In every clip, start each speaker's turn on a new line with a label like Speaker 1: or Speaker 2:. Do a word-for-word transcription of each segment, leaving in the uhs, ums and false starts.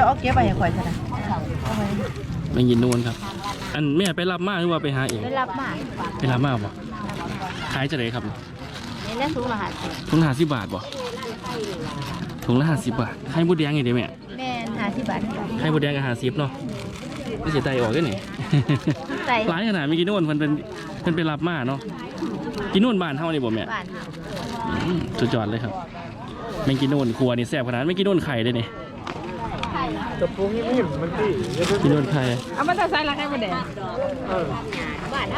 Speaker 1: เอาเก็บไปให้ข่อยซะนะ
Speaker 2: ไม่ยินนูนครับอันแม่ไปรับมาหรือว่าไปหาเอง
Speaker 1: ไปรับมา
Speaker 2: ไปรับมาบ่ขายจะไหนครับ
Speaker 1: นี่ได้ถุงละห้าสิบ
Speaker 2: ถุงห้าสิบบาทบ่ถุงละห้าสิบบาทไข่มดแดงไงเดี๋ยวแม่
Speaker 1: แม่ห้าสิบบาท
Speaker 2: ไข่มดแดงกับห้าสิบเนาะไม่เสียใจออกได้ไหนหลายขนาดไม่กินนู่นมันเป็นมันเป็นรับมาเนาะกินนู่นบ้านเท่านี้บ่แม่สุดยอดเลยครับไม่กินนู่นครัวนี่แซ่บขนาดไม่กินนู่นไข่ได้เนี่ย
Speaker 3: จะปรุงนิ่มๆมันตี
Speaker 2: กินนู่นไข่
Speaker 1: เอามาใส่ละไข่มดแดงบ้านเท่า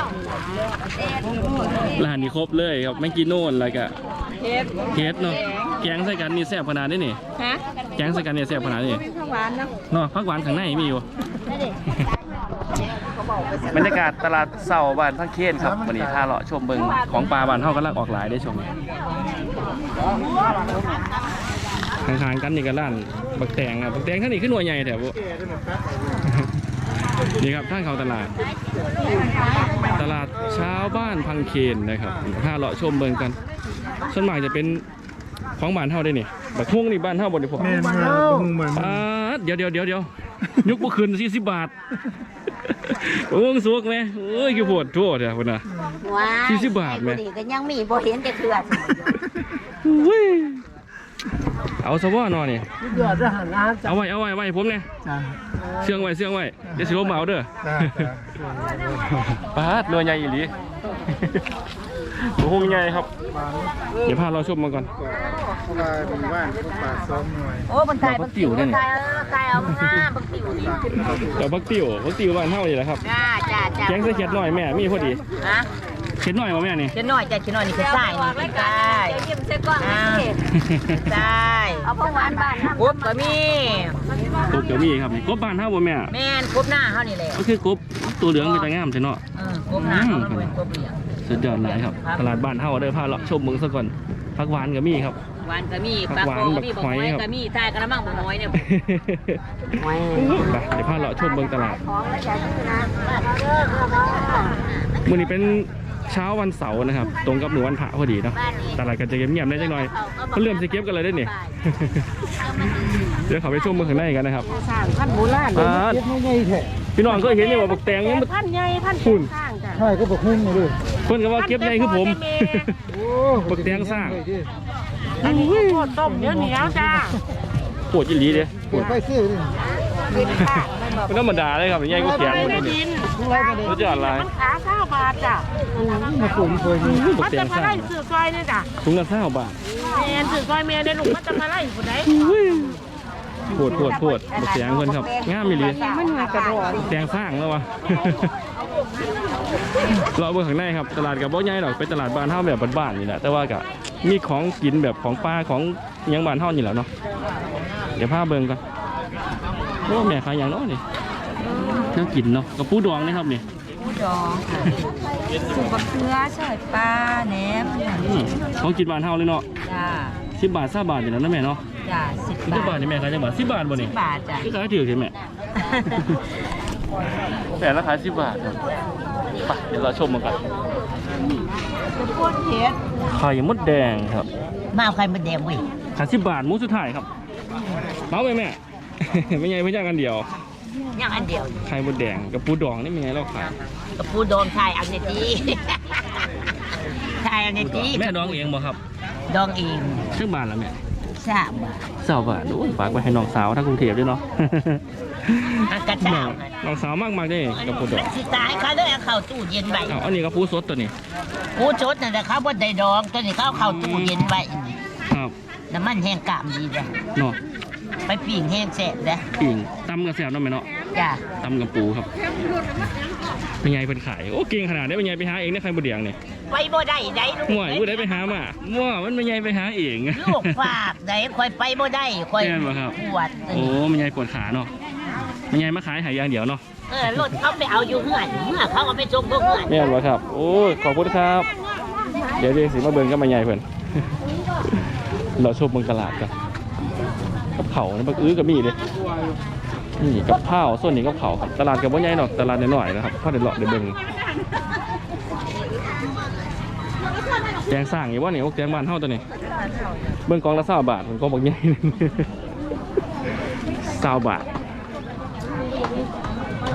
Speaker 2: ร้านนี้ครบเลยครับไม่กินนู่นอะไรกะเฮ็ดเฮ็ดเนาะแกงใส่กันนี่แซ่บขนาดนี้นี่ฮะแกงใส่กันนี่แซ่บขนาดนี้
Speaker 1: ผักหวานเนาะ
Speaker 2: เนาะผักหวานข้างในมีอยู่บรรยากาศตลาดเสาบ้านพังเคนครับวันนี้พาเลาะชมเบิงของปลาบ้านเฮากำลังออกหลายได้ชมทางทางกันนี่ก็ร้านบักแตงครับบักแตงท่านนี่ขึ้นหน่วยใหญ่แถวนี่ครับท่านเขาตลาดตลาดเช้าบ้านพังเคนนะครับพาเลาะชมเบิงกันส่วนมากจะเป็นของบ้านเฮาได้นี่บักฮุ้งนี่บ้านเฮาบ่ได้พอ
Speaker 3: แม่นมาบุ้งเหมือน
Speaker 2: เดี๋ยวเดี๋ยวเดี๋ยวเดี๋ยวยุกบุคืนสี่สิบบาทโอ้งสวกไหมเอ้ยกี่ปวดทั่วเดี๋ยวคนน่ะสี่สิบบาทไหม
Speaker 1: ก็ยังมีบ่เห็นจะเถื่อน
Speaker 2: เอาสว่านอนนี่เอาไว้เอาไว้ไว้ผมเนี่ยเชื่องไว้เชื่องไว้เดี๋ยวสิลมเอาเด้อปาดเรือใหญ่อีหลีโอ้โหใหญ่ครับเดี๋ยวพาเราชมมาก่อน
Speaker 1: โอ้บันไดบักติ๋วเนี่ยไก่เอาง่าบักติ๋วนี่
Speaker 2: เดี๋ยวบักติ๋วบักติ๋วบ้านเท่าอยู่แล้วครับ
Speaker 1: จ้าจ้าจ้า
Speaker 2: แกงใส่เขียดหน่อยแม่มีพอดีเขียดหน่อยมาแม่นี่
Speaker 1: เขียดหน่อยจ้าเขียดหน่อยนี่เขียดใส่นี่ใช่เยี่ยมเส้นก้อนใช่เอาผักหวานบ้านกบก็มี
Speaker 2: กบก็มีครับกบบ้านเท่าบ่แม่
Speaker 1: แม่กบหน้าเท่านี่แหละ
Speaker 2: ก็คือกบตัวเหลืองเป็นตะงามใช่เนาะ
Speaker 1: กบหน้าเขาเป็นกบเหลือง
Speaker 2: สุดยอดเลยครับตลาดบ้านเท่าเด้อพาเลาะชมเมืองซะก่อนผักหวานก็มีครับ
Speaker 1: หวานก็มีปลาโคก็มีบกหอยก็มีทายกระมังบกหอยเนี่ย
Speaker 2: ไปเดี๋ยวพาเลาะชมเมืองตลาดมื้อนี้เป็นเช้าวันเสาร์นะครับตรงกับหนูวันพระพอดีเนาะตลาดก็จะเงียบๆได้จังหน่อยเขาเริ่มจะเก็บกันเลยได้เนี่ยเดี๋ยวเขาไปชมเมืองข้างในกันนะครับ
Speaker 1: พันโบราณ
Speaker 2: พี่น้องก็เห็นเนี่ยว่าบักแตงยัง
Speaker 1: พันใหญ่พันหุ่น
Speaker 3: ใช่ก็บักหุ่นมาด้วย
Speaker 2: เพื่อนก็ว่าเก็บใหญ่คือผมบักแตงสร้าง
Speaker 1: อันนี้โคตรต้มเนื้อเหนียวจ้า
Speaker 2: ปวดยี่หลีเลย
Speaker 3: ปวดไปเสื้อเลย
Speaker 2: มันธรรมดาเลยครับใหญ่ก็แข็งหมดเลยรู้จักอะไร
Speaker 1: มันขาเก้าบาทจ้ะ
Speaker 3: มาปุ่มเคยมี
Speaker 1: มันจะมาไล่สื่อซอยเนี่ยจ้ะ
Speaker 2: ถุงละเก้าบาท
Speaker 1: เมียสื่อซอยเมียในหลุมมันจะมาไล่ผู้ใด
Speaker 2: ปวดปวดปวดบักแตงเพื่อนครับง่ามมีหลีแตงสร้างแล้ววะเราเบิ่งข้างในครับตลาดกับบ่ใหญ่หรอกเป็นตลาดบ้านเฮาแบบบ้านๆนี่แหละแต่ว่าก็มีของกินแบบของป้าของยังบ้านเฮานี่แหละเนาะเดี๋ยวพาเบิ่งกันโอ้แม่ขายอย่างน้อยนี่น่ากินเนาะกับปูดองนี่ครับนี่
Speaker 1: ปูดองสูบบักเขือใส่ปลาแหนม
Speaker 2: ของกินบ้านเฮาเลยเนาะ
Speaker 1: จ้า
Speaker 2: สิบบาทสิบบาทอย่างนั้นนะแม่เนาะ
Speaker 1: จ้าสิบบาท
Speaker 2: นี่แม่ขายจังบาทสิบบาทบ่นี่
Speaker 1: สิบบาทจ้ะ
Speaker 2: ที่ขายถือใช่ไหมแต่ราคาสิบบาทครับไปเดี๋ยวเราชมมันกันไข่มดแดงครับ
Speaker 1: มาไข่มดแดงเว้ย
Speaker 2: ขายสิบบาทมุ้งสุดท้ายครับเมาไปแม่ไม่ไงเพื่อนกันเดียว
Speaker 1: ยังอันเดียว
Speaker 2: ไข่มดแดงกับปูดองนี่เป็นไงเราขาย
Speaker 1: กับปูดองไข่อันนี้ดีไข่อันนี้ดี
Speaker 2: แม่ดองเองบ่ครับ
Speaker 1: ดองเอง
Speaker 2: ชื่อบาทละแม่
Speaker 1: สามบาท
Speaker 2: สามบาทโอ้ยฝากไปให้น้องสาวทั้งกรุงเทพด้วยเนาะ
Speaker 1: กระเช้า
Speaker 2: น้องสาวมากมากได้กับปูดอง
Speaker 1: สิตายเขาเลยเอาเข้าตู้เย็นไว้
Speaker 2: อ๋ออันนี้ก็ปูสดตัวนี้
Speaker 1: ปูสดนั่นแหละเขาบ่ได้ดองตัวนี้เขาเข้าตู้เย็นไว้
Speaker 2: ครับ
Speaker 1: น้ำมันแห้งกามดีจ้ะ
Speaker 2: เนาะ
Speaker 1: ไปปิ่งแห้งแสบนะ
Speaker 2: ปิ่งตำกับแสบเนาะแม่เนาะ
Speaker 1: จ้ะ
Speaker 2: ตำกับปูครับเป็นไงเป็นขายโอ้เก่งขนาดได้เป็นไงไปหาเองได้ใครบุเดียงเนี่ย
Speaker 1: ไปบ่ได้ได้ลูก
Speaker 2: มั่วกูได้ไปหามามั่วมันเป็นไงไปหาเอง
Speaker 1: ลูกฝากได้คอยไปบ่ได้คอยปวด
Speaker 2: โอ้มันไงปวดขาเนาะมันไงมาขายหายอย่างเดียวเนาะ
Speaker 1: เออรถเขาไปเอาอยู่เงื่อนเมื่อเขาเอาไปส่งพวกเงื่อน
Speaker 2: เนี่ยเหรอครับโอ้ขอบคุณครับเดี๋ยวเดี๋ยวสิมาเบิ่งก็มาใหญ่เพิ่นเราชมเมืองตลาดกันกับเขาเนี่ยบักอื้อกับมีเลยนี่กับข้าวส่วนนี้กับเขาครับตลาดกับบ่ใหญ่หรอกตลาดน้อยๆนะครับพอเดี๋ยวเลาะเดี๋ยวเบิ่งแกงสร้างอยู่ว่านี่โอ้แกงบ้านเท่าตัวนี้เบิ่งกองละเศร้าบาทมันกองบักใหญ่เศร้าบาท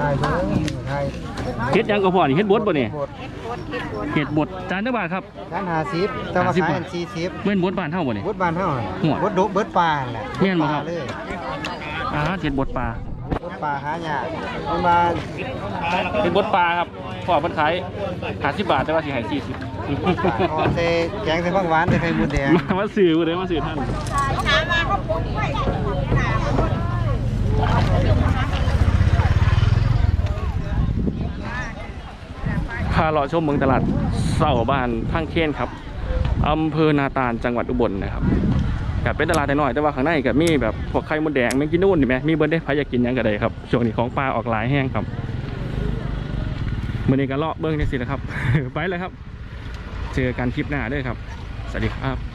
Speaker 3: ถ่ายเด้อถ่าย
Speaker 2: เฮ็ดหยังก็พอนี่เฮ็ดบดบ่นี่
Speaker 3: บด
Speaker 2: เฮ็ดบดจานเท่าบาทครับ
Speaker 3: ด้านห้าสิบแต่ว่าขายอันสี่สิบ
Speaker 2: เว้นบดบ้านเฮาบ่นี่
Speaker 3: บดบานเท่าไหร่
Speaker 2: หัว
Speaker 3: บดดุบดปลาแหละ
Speaker 2: แม่นบ่ครับ
Speaker 3: เลย
Speaker 2: อ่าเฮ็ดบดปลา
Speaker 3: บดปลาหายากมันมา
Speaker 2: เฮ็ดบดปลาครับพอเพิ่นขายห้าสิบบาทแต่ว่าสิให้สี่สิบ
Speaker 3: อ๋อเซแกงใส่ผักหวานใส่ไข่มดแดง
Speaker 2: มามาซื้อบ่ได้มาซื้อท่านพาเราชมเมืองตลาดเสาบ้านพังเคนครับอำเภอนาตาลจังหวัดอุบลนะครับกับเป็นตลาดน้อยแต่ว่าข้างในก็มีแบบพวกไข่มดแดงแมงกินนู่นนี่ไหมมีเบิร์ดได้ใครอยากกินหยังก็ได้ครับช่วงนี้ของปลาออกหลายแห้งครับมื้อนี้ก็เลาะเบิ้งนี่สินะครับ ไปเลยครับเจอกันคลิปหน้าด้วยครับสวัสดีครับ